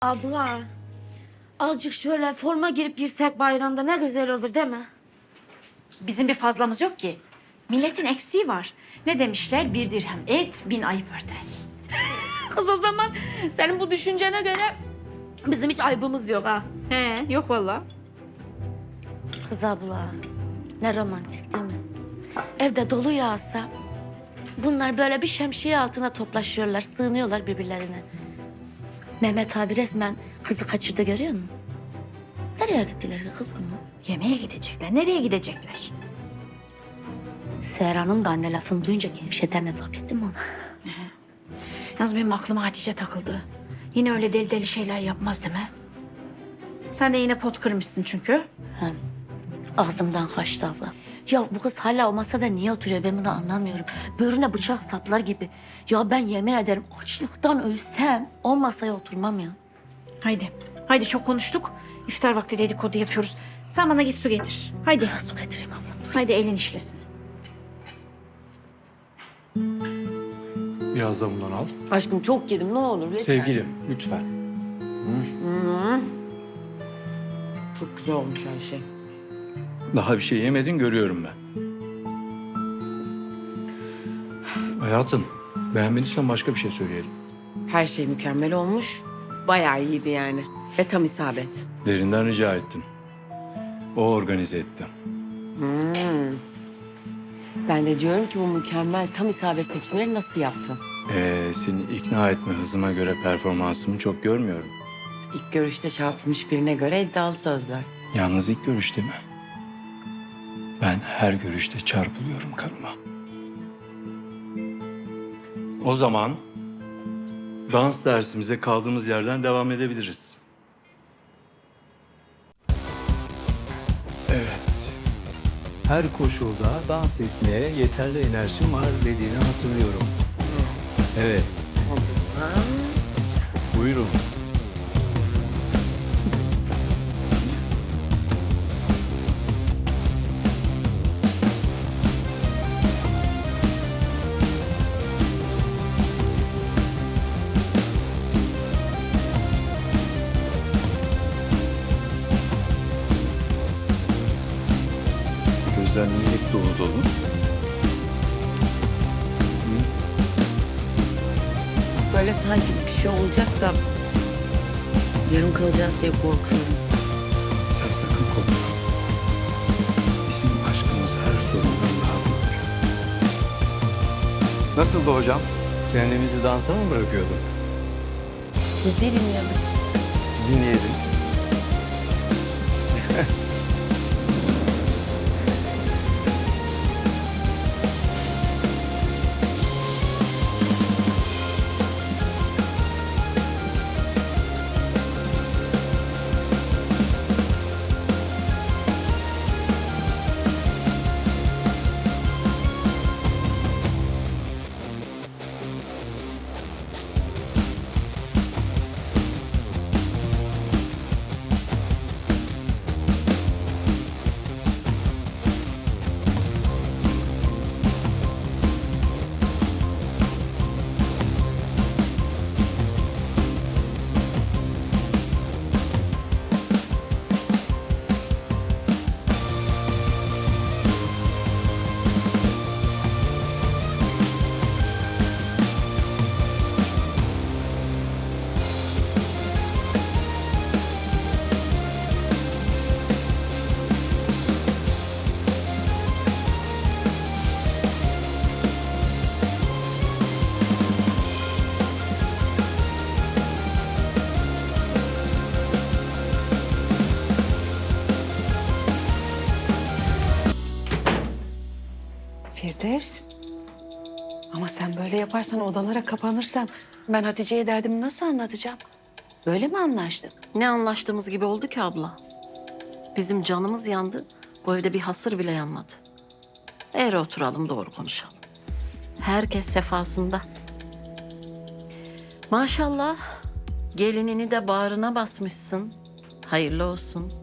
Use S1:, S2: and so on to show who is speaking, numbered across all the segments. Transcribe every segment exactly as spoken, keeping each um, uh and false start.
S1: Abla, azıcık şöyle forma girip girsek bayramda ne güzel olur değil mi?
S2: Bizim bir fazlamız yok ki. Milletin eksiği var. Ne demişler? Bir dirhem et, bin ayıp örter.
S1: Kız o zaman senin bu düşüncene göre bizim hiç aybımız yok ha.
S2: He, yok vallahi.
S1: Kız abla, ne romantik değil mi? Evde dolu yağsa bunlar böyle bir şemsiye altına toplaşıyorlar, sığınıyorlar birbirlerine. Mehmet abi resmen kızı kaçırdı görüyor musun? Nereye gittiler ki kız bunlar?
S2: Yemeğe gidecekler. Nereye gidecekler?
S1: Serhan'ın da anne lafını duyunca gevşedi hemen fark ettin mi onu?
S2: Yalnız benim aklıma Hatice takıldı. Yine öyle deli deli şeyler yapmaz değil mi? Sen de yine pot kırmışsın çünkü.
S1: Ha, ağzımdan kaçtı abla. Ya bu kız hala o masada niye oturuyor ben bunu anlamıyorum. Böğrüne bıçak saplar gibi. Ya ben yemin ederim açlıktan ölsem o masaya oturmam ya.
S2: Haydi. Haydi çok konuştuk. İftar vakti dedikodu yapıyoruz. Sen bana git su getir. Haydi.
S1: Ya su getireyim ablam.
S2: Haydi elin işlesin.
S3: Biraz da bundan al.
S4: Aşkım çok yedim ne olur lütfen.
S3: Sevgilim lütfen.
S4: Çok güzel olmuş her şey.
S3: Daha bir şey yemedin görüyorum ben. Hayatım beğenmediysen başka bir şey söyleyelim.
S4: Her şey mükemmel olmuş. Bayağı iyiydi yani. Ve tam isabet.
S3: Derinden rica ettim. O organize etti.
S4: Ben de diyorum ki bu mükemmel tam isabet seçimleri nasıl yaptın?
S3: Ee, seni ikna etme hızıma göre performansımı çok görmüyorum.
S4: İlk görüşte çarpılmış birine göre iddialı sözler.
S3: Yalnız ilk görüşte mi? Ben her görüşte çarpılıyorum karıma. O zaman dans dersimize kaldığımız yerden devam edebiliriz.
S5: Evet. Her koşulda dans etmeye yeterli enerjim var dediğini hatırlıyorum. Evet. Buyurun. Gözler niye hep dolu dolu?
S4: Böyle sanki bir şey olacak da yarım kalacağız diye korkuyorum.
S5: Sen sakın korkma. Bizim aşkımız her sorundan daha büyük. Nasıldı hocam? Kendimizi dansa mı bırakıyorduk?
S4: Müziği dinliyorduk.
S5: Dinleyelim.
S6: Firdevs. Ama sen böyle yaparsan, odalara kapanırsan ben Hatice'ye derdimi nasıl anlatacağım? Böyle mi anlaştık?
S4: Ne anlaştığımız gibi oldu ki abla. Bizim canımız yandı. Bu evde bir hasır bile yanmadı. Eğer oturalım doğru konuşalım. Herkes sefasında. Maşallah gelinini de bağrına basmışsın. Hayırlı olsun.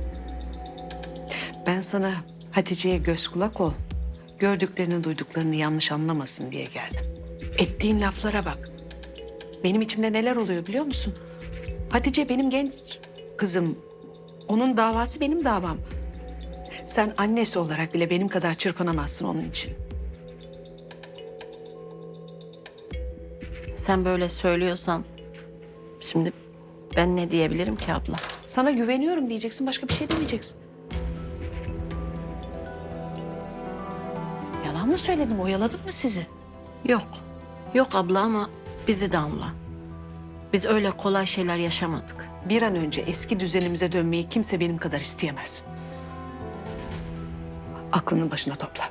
S6: Ben sana Hatice'ye göz kulak ol. Gördüklerini, duyduklarını yanlış anlamasın diye geldim. Ettiğin laflara bak. Benim içimde neler oluyor biliyor musun? Hatice benim genç kızım. Onun davası benim davam. Sen annesi olarak bile benim kadar çırpınamazsın onun için.
S4: Sen böyle söylüyorsan şimdi ben ne diyebilirim ki abla?
S6: Sana güveniyorum diyeceksin, başka bir şey demeyeceksin. Yalan mı söyledim, oyaladım mı sizi?
S4: Yok. Yok abla ama bizi de anla. Biz öyle kolay şeyler yaşamadık.
S6: Bir an önce eski düzenimize dönmeyi kimse benim kadar isteyemez. Aklının başına topla.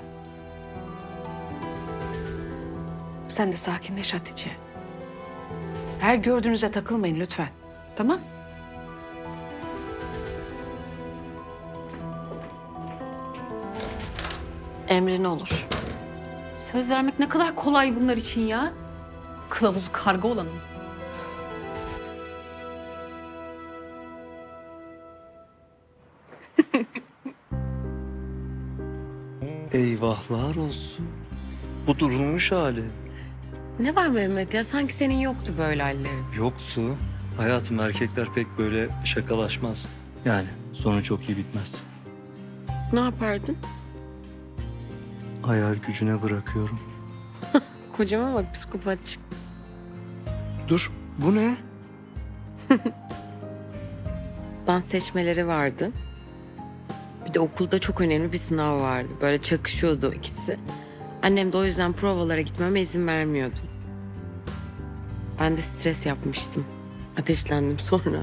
S6: Sen de sakinleş Hatice. Her gördüğünüze takılmayın lütfen. Tamam?
S4: Emrin olur.
S7: Söz vermek ne kadar kolay bunlar için ya. Kılavuzu karga olanın.
S8: Eyvahlar olsun. Bu durulmuş hali.
S9: Ne var Mehmet ya? Sanki senin yoktu böyle hallerin.
S8: Yoktu. Hayatım, erkekler pek böyle şakalaşmaz.
S3: Yani sonu çok iyi bitmez.
S9: Ne yapardın?
S8: Hayal gücüne bırakıyorum.
S9: Kocama bak, psikopat çıktı.
S8: Dur, bu ne?
S9: Dans seçmeleri vardı. Bir de okulda çok önemli bir sınav vardı. Böyle çakışıyordu ikisi. Annem de o yüzden provalara gitmeme izin vermiyordu. Ben de stres yapmıştım. Ateşlendim sonra.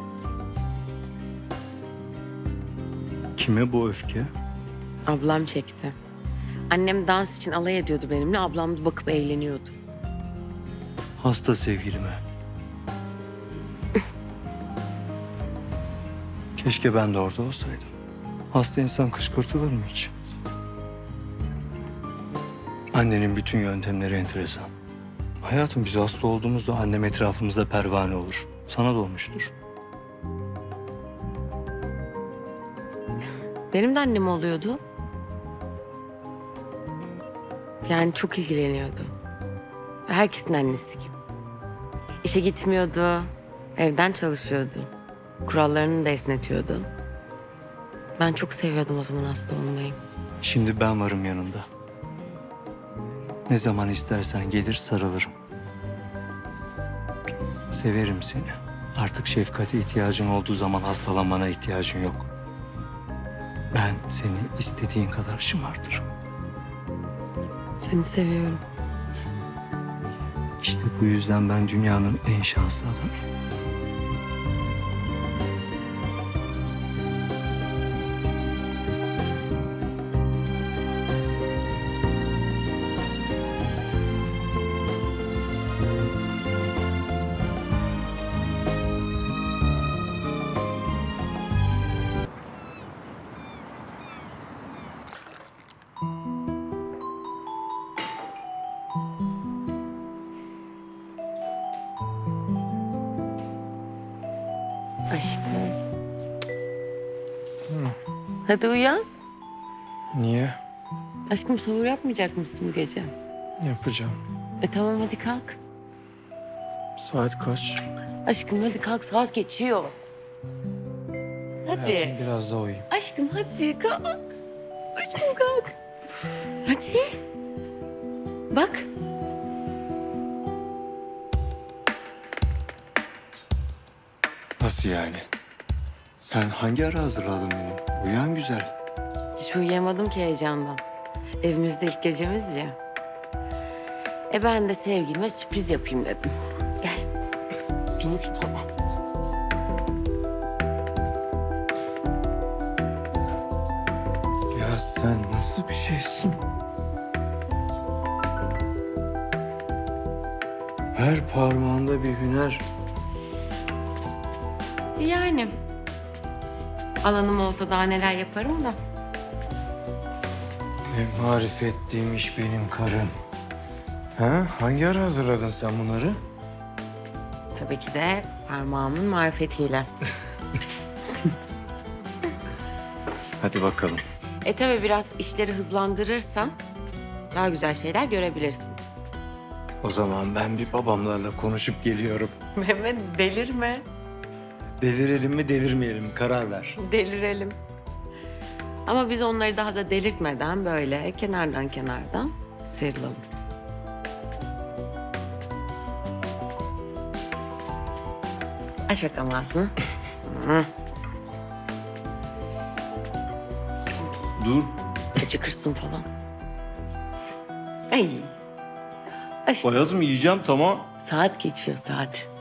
S3: Kime bu öfke?
S9: Ablam çekti. Annem dans için alay ediyordu benimle. Ablam da bakıp eğleniyordu.
S3: Hasta sevgilime. Keşke ben de orada olsaydım. Hasta insan kışkırtılır mı hiç? Annenin bütün yöntemleri enteresan. Hayatım, biz hasta olduğumuzda annem etrafımızda pervane olur. Sana da olmuştur.
S9: Benim de annem oluyordu. Yani çok ilgileniyordu. Herkesin annesi gibi. İşe gitmiyordu, evden çalışıyordu. Kurallarını da esnetiyordu. Ben çok seviyordum o zaman hasta olmayı.
S3: Şimdi ben varım yanında. Ne zaman istersen gelir sarılırım. Severim seni. Artık şefkate ihtiyacın olduğu zaman hastalanmana ihtiyacın yok. Ben seni istediğin kadar şımartırım.
S9: Seni seviyorum.
S3: İşte bu yüzden ben dünyanın en şanslı adamıyım.
S9: Aşkım. Hadi uyan.
S3: Niye?
S9: Aşkım, sahur yapmayacak mısın bu gece?
S3: Yapacağım.
S9: E tamam, hadi kalk.
S3: Saat kaç?
S9: Aşkım hadi kalk, saat geçiyor. Hadi.
S3: Hayatım, biraz daha uyuyayım.
S9: Aşkım hadi kalk. Aşkım kalk. Hadi. Bak.
S3: Nasıl yani? Sen hangi ara hazırladın beni? Uyan güzel.
S9: Hiç uyuyamadım ki heyecandan. Evimizde ilk gecemiz ya. E ben de sevgilime sürpriz yapayım dedim. Gel. Dur tamam.
S3: Ya sen nasıl bir şeysin? Her parmağında bir hüner.
S9: Yani. Alanım olsa daha neler yaparım da.
S3: Ne marifetliymiş benim karım. Ha? Hangi ara hazırladın sen bunları?
S9: Tabii ki de parmağımın marifetiyle.
S3: Hadi bakalım.
S9: E tabii biraz işleri hızlandırırsan daha güzel şeyler görebilirsin.
S3: O zaman ben bir babamlarla konuşup geliyorum.
S9: Mehmet delirme.
S3: Delirelim mi delirmeyelim mi karar ver.
S9: Delirelim. Ama biz onları daha da delirtmeden böyle kenardan kenardan sıyrılalım. Aç bakalım ağzını. Hı.
S3: Dur.
S9: Acıkırsın falan. Ay. Ay.
S3: Hayatım yiyeceğim tamam.
S9: Saat geçiyor saat.